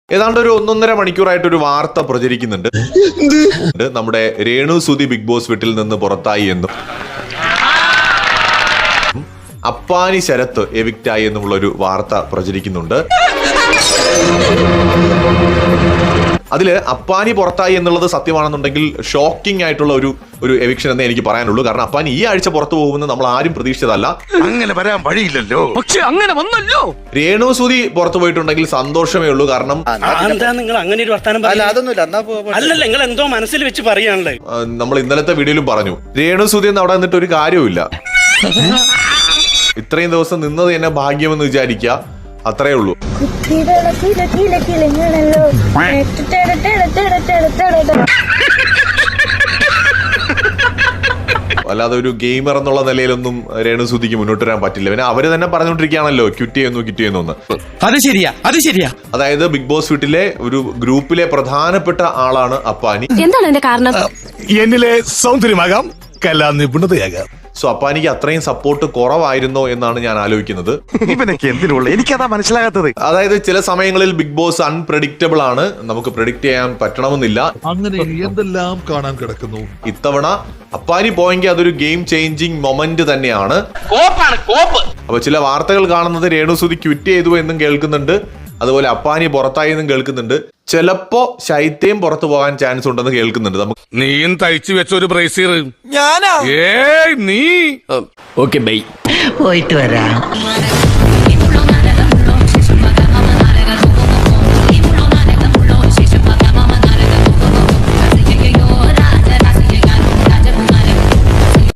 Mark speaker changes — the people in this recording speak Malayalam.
Speaker 1: ഏതാണ്ട് ഒരു 1.5 മണിക്കൂറായിട്ട് ഒരു വാർത്ത പ്രചരിക്കുന്നുണ്ട്. നമ്മുടെ രേണു സുധി ബിഗ് ബോസ് വീട്ടിൽ നിന്ന് പുറത്തായി എന്നും അപ്പാനി ശരത്ത് എവിക്റ്റായി എന്നുമുള്ള ഒരു വാർത്ത പ്രചരിക്കുന്നുണ്ട്. അതില് അപ്പാനി പുറത്തായി എന്നുള്ളത് സത്യമാണെന്നുണ്ടെങ്കിൽ ഷോക്കിംഗ് ആയിട്ടുള്ള ഒരു എവിക്ഷൻ എന്നേ എനിക്ക് പറയാനുള്ളൂ. കാരണം അപ്പാനി ഈ ആഴ്ച പുറത്തു പോകുമെന്ന് നമ്മൾ ആരും പ്രതീക്ഷിച്ചതല്ല.
Speaker 2: അങ്ങനെ വരാൻ വഴിയില്ലല്ലോ.
Speaker 3: പക്ഷെ അങ്ങനെ വന്നല്ലോ.
Speaker 1: രേണു സുധി പുറത്തു പോയിട്ടുണ്ടെങ്കിൽ സന്തോഷമേ ഉള്ളൂ. കാരണം
Speaker 4: നിങ്ങൾ അങ്ങനെ ഒരു വർത്താനം അല്ലല്ല, നിങ്ങൾ എന്തോ മനസ്സിൽ വെച്ച് പറയാണല്ലേ.
Speaker 1: നമ്മൾ ഇന്നലത്തെ വീഡിയോയിലും പറഞ്ഞു, രേണു സുധി എന്ന് അവിടെ നിന്നിട്ട് ഒരു കാര്യവുമില്ല. ഇത്രയും ദിവസം നിന്നത് തന്നെ ഭാഗ്യമെന്ന് വിചാരിക്കുക, അത്രേ ഉള്ളൂ. അല്ലാതെ ഒരു ഗെയിമർ എന്നുള്ള നിലയിലൊന്നും രേണു സുധിക്ക് മുന്നോട്ട് വരാൻ പറ്റില്ല. പിന്നെ അവര് തന്നെ പറഞ്ഞുകൊണ്ടിരിക്കുകയാണല്ലോ ക്വിറ്റ് ചെയ്യുന്നു.
Speaker 3: അത് ശരിയാ.
Speaker 1: അതായത് ബിഗ് ബോസ് വീട്ടിലെ ഒരു ഗ്രൂപ്പിലെ പ്രധാനപ്പെട്ട ആളാണ് അപ്പാനി.
Speaker 5: എന്താണ് എന്റെ കാരണം?
Speaker 2: എന്നിലെ സൗന്ദര്യമാകാം, കലാ നിപുണതയാകാം.
Speaker 1: സോ അപ്പാനിക്ക് അത്രയും സപ്പോർട്ട് കുറവായിരുന്നോ എന്നാണ് ഞാൻ ആലോചിക്കുന്നത്.
Speaker 2: ഇവനൊക്കെ എന്തിനുള്ള എനിക്കതാ മനസ്സിലാകാത്തത്.
Speaker 1: അതായത് ചില സമയങ്ങളിൽ ബിഗ് ബോസ് അൺപ്രഡിക്റ്റബിൾ ആണ്, നമുക്ക് പ്രെഡിക്റ്റ് ചെയ്യാൻ പറ്റണമെന്നില്ല.
Speaker 6: അങ്ങനെ എന്തെല്ലാം കാണാൻ കിടക്കുന്നു.
Speaker 1: ഇത്തവണ അപ്പാനി പോയെങ്കിൽ അതൊരു ഗെയിം ചേഞ്ചിങ് മൊമെന്റ് തന്നെയാണ്. അപ്പൊ ചില വാർത്തകൾ കാണുന്നത് രേണു സുധി ക്വിറ്റ് ചെയ്തു എന്നും കേൾക്കുന്നുണ്ട്, അതുപോലെ അപ്പാനി പുറത്തായി എന്നും കേൾക്കുന്നുണ്ട്. ചിലപ്പോ ശൈത്യം പുറത്തു പോകാൻ ചാൻസ് ഉണ്ടെന്ന് കേൾക്കുന്നുണ്ട്. നമുക്ക്
Speaker 2: നീയും തയ്ച്ചു വെച്ച ഒരു ബ്രേസീർ
Speaker 3: ഞാനാ.
Speaker 2: നീ
Speaker 3: ഓക്കെ ബൈ.
Speaker 7: പോയിട്ട് വരാം.